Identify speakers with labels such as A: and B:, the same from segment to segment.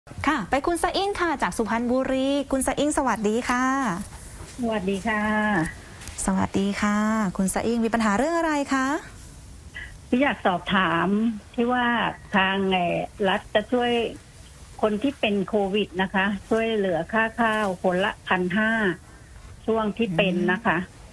A: ค่ะไปคุณสะอิ้งค่ะจากสุพรรณบุรีคุณสะอิ้งสวัสดีค่ะ
B: สวัสดีค่ะ
A: สวัสดีค่ะคุณสะอิ้งมีปัญหาเรื่องอะไรคะ
B: พี่อยากสอบถามที่ว่าทางรัฐจะช่วยคนที่เป็นโควิดนะคะ ช่วยเหลือค่าข้าวคนละ1,500ช่วงที่เป็นนะคะ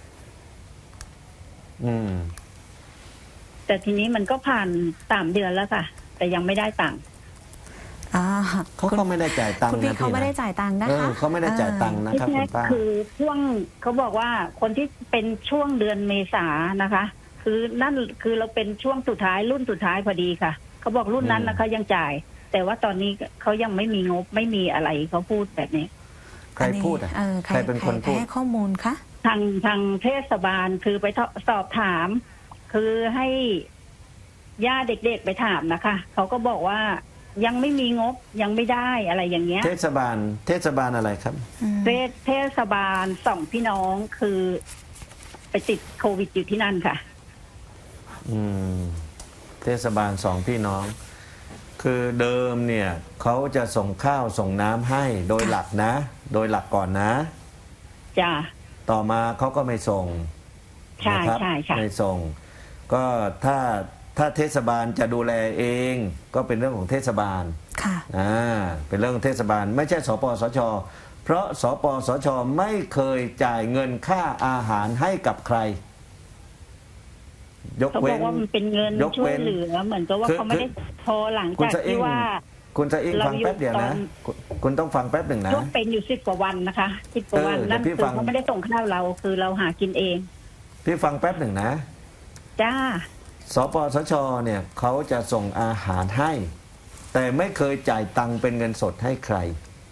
B: แต่ทีนี้มันก็ผ่าน3 เดือนแล้วค่ะ แต่ยังไม่ได้ตังค์
C: เขาก็ไม่ได้จ่ายตังค์
A: คุณพี่เขาไม่ได้จ่ายตังค์นะคะ
C: เขาไม่ได้จ่ายตังค์นะครับคุณป้า
B: คือช่วงเขาบอกว่าคนที่เป็นช่วงเดือนเมษานะคะ คือนั่นคือเราเป็นช่วงสุดท้ายรุ่นสุดท้ายพอดีค่ะเขาบอกรุ่นนั้นนะคะยังจ่าย แต่ว่าตอนนี้เขายังไม่มีงบไม่มีอะไรเขาพูดแบบนี้
C: ใครพูดใครเป็นคนพูด
A: ให้ข้อมูลคะ
B: ทางเทศบาลคือไปสอบถาม คือให้ย่าเด็กๆไปถามนะคะเขาก็บอกว่ายังไม่มีงบยังไม่ได้อะไรอย่างเงี้ย
C: เทศบาลอะไรครับ
B: เทศบาล2 พี่น้องคือไปติดโควิดอยู่ที่นั่นค่ะ
C: เทศบาล2 พี่น้องคือเดิมเนี่ยเขาจะส่งข้าวส่งน้ำให้โดยหลักนะโดยหลักก่อนนะ
B: จ้ะ
C: ต่อมาเขาก็ไม่ส่ง
B: ใช่ใช่
C: ไม่ส่งก็ถ้าเทศบาลจะดูแลเองก็เป็นเรื่องของเทศบาล
A: ค่ะ
C: เป็นเรื่องของเทศบาลไม่ใช่สปสช.เพราะสปสช.ไม่เคยจ่ายเงินค่าอาหารให้กับใคร
B: ยกเว้นเขาบอกว่ามันเป็นเงินช่วยเหลือเหมือนกับว่าเขาไม่ได้พอหลังจากที่ว่า
C: คุณจะอิงฟังแป๊บเดียวนะคุณต้องฟังแป๊บหนึ่งนะ
B: ช่วงเป็นอยู่10 กว่าวันนะคะ10 กว่าวันนั่นคือเขาไม่ได้ส่งข้าวเราคือเราหากินเอง
C: พี่ฟังแป๊บหนึ่งนะ
B: จ้า
C: สปสช.เนี่ยเขาจะส่งอาหารให้แต่ไม่เคยจ่ายตังค์เป็นเงินสดให้ใคร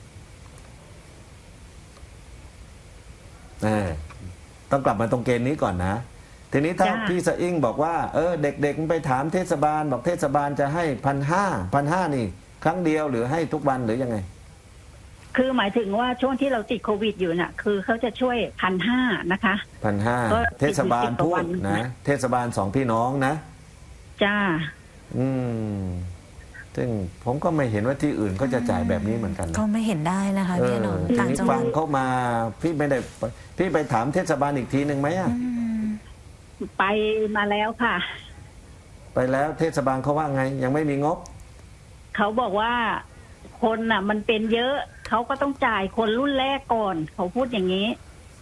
C: ต้องกลับมาตรงเกณฑ์นี้ก่อนนะทีนี้ถ้าพี่สะอิ้งบอกว่าเด็กๆไปถามเทศบาลบอกเทศบาลจะให้1,500นี่ครั้งเดียวหรือให้ทุกวันหรือยังไง
B: คือหมายถึงว่าช่วงที่เราติดโควิดอยู่น่ะคือเขาจะช่วย1,500นะคะ
C: 1,500เทศบาลพูดนะเทศบาล2 พี่น้องนะ
B: จ้า
C: ซึ่งผมก็ไม่เห็นว่าที่อื่นก็จะจ่ายแบบนี้เหมือนกัน
A: ก็ไม่เห็นได้นะคะพี่น้อง
C: ต่างจังหวัดฟังเข้ามาพี่ไม่ได้พี่ไปถามเทศบาลอีกทีหนึ่งไหม
B: ไปมาแล้วค่ะ
C: ไปแล้วเทศบาลเขาว่าไงยังไม่มีงบ
B: เขาบอกว่าคนน่ะมันเป็นเยอะเขาก็ต้องจ่ายคนรุ่นแรกก่อนเขาพูดอย่างนี้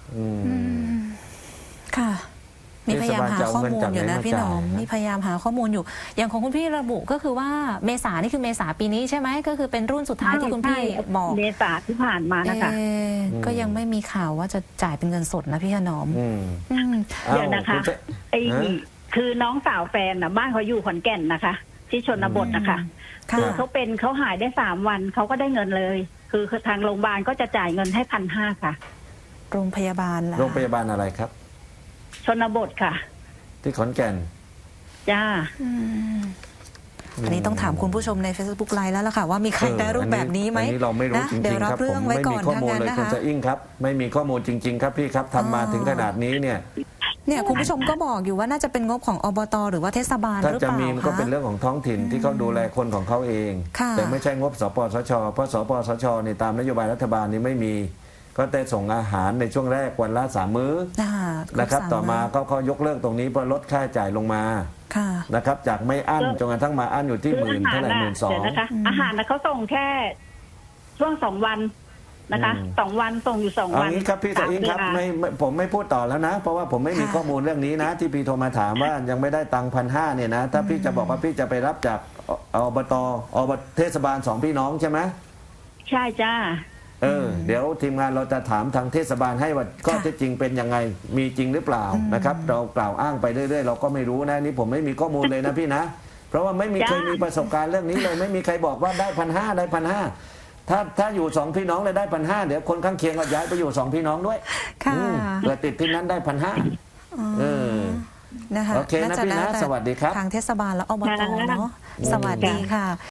A: ค่ะมีพยายามหาข้อมูลอยู่นะพี่น้องมีพยายามหาข้อมูลอยู่อย่างของคุณพี่ระบุก็คือว่าเมษานี่คือเมษาปีนี้ใช่ไหมก็คือเป็นรุ่นสุดท้ายที่คุณพี่บอก
B: เมษาที่ผ่านมานะคะ
A: ก็ยังไม่มีข่าวว่าจะจ่ายเป็นเงินสดนะพี่ถนอม
B: เดี๋ยวนะคะคือน้องสาวแฟนน่ะบ้านเขาอยู่ขอนแก่นนะคะที่ชนบทนะคะคือเขาหายได้3 วันเขาก็ได้เงินเลยคือทางโรงพยาบาลก็จะจ่ายเงินให้1,500ค่ะ
A: โรงพยาบาลล่ะ
C: โรงพยาบาลอะไรครับ
B: ชนบทค่ะ
C: ที่ขอนแก่น
B: จ้า
A: อันนี้ต้องถามคุณผู้ชมใน Facebook ไลน์แล้วล่ะค่ะว่ามีใครได้รูปแบบนี้ไหม
C: เราไม่รู้จริงๆครับผมไม่มีข้อมูลเลยคุณจะอิงครับไม่มีข้อมูลจริงๆครับพี่ครับทำมาถึงขนาดนี้เนี่ย
A: คุณผู้ชมก็บอกอยู่ว่าน่าจะเป็นงบของอบต.หรือว่าเทศบาลหรือเปล่าถ้าจะมี
C: ก็เป็นเรื่องของท้องถิ่นที่เขาดูแลคนของเขาเองแต่ไม่ใช่งบสปสช.เพราะสปสช.ในตามนโยบายรัฐบาลนี้ไม่มีก็แต่ส่งอาหารในช่วงแรกวันละ3 มื้อนะครับต่อมาเขายกเลิกตรงนี้เพื่อลดค่าใช้จ่ายลงมานะครับจากไม่อั้นจนกระทั่งมาอั้นอยู่ที่10,000เท่าไหร่12,000
B: นะคะอาหารนะเขาส่งแค่ช่วง2 วันนะคะ2 วันส่งอยู่2 วัน
C: อย่างนี้ครับพี่สะอิงครับผมไม่พูดต่อแล้วนะเพราะว่าผมไม่มีข้อมูลเรื่องนี้นะที่พี่โทรมาถามว่ายังไม่ได้ตังค์1,500เนี่ยนะถ้าพี่จะบอกว่าพี่จะไปรับจากอบต.เทศบาล2 พี่น้องใช่ไหม
B: ใช่จ้า
C: เดี๋ยวทีมงานเราจะถามทางเทศบาลให้ว่าข้อเท็จจริงเป็นยังไงมีจริงหรือเปล่านะครับเรากล่าวอ้างไปเรื่อยๆเราก็ไม่รู้นะนี่ผมไม่มีข้อมูลเลยนะพี่นะเพราะว่าไม่มีเคยมีประสบการณ์เรื่องนี้เลยไม่มีใครบอกว่าได้1,500ได้1,500ถ้าอยู่2 พี่น้องเลยได้1,500เดี๋ยวคนข้างเคียงก็ย้ายไปอยู่2 พี่น้องด้วยเผื่อติดที่นั้นได้1,500
A: นะคะ
C: โอเคนะพี่นะสวัสดีครับ
A: ทางเทศบาลและอบต.เนาะสวัสดีค่ะ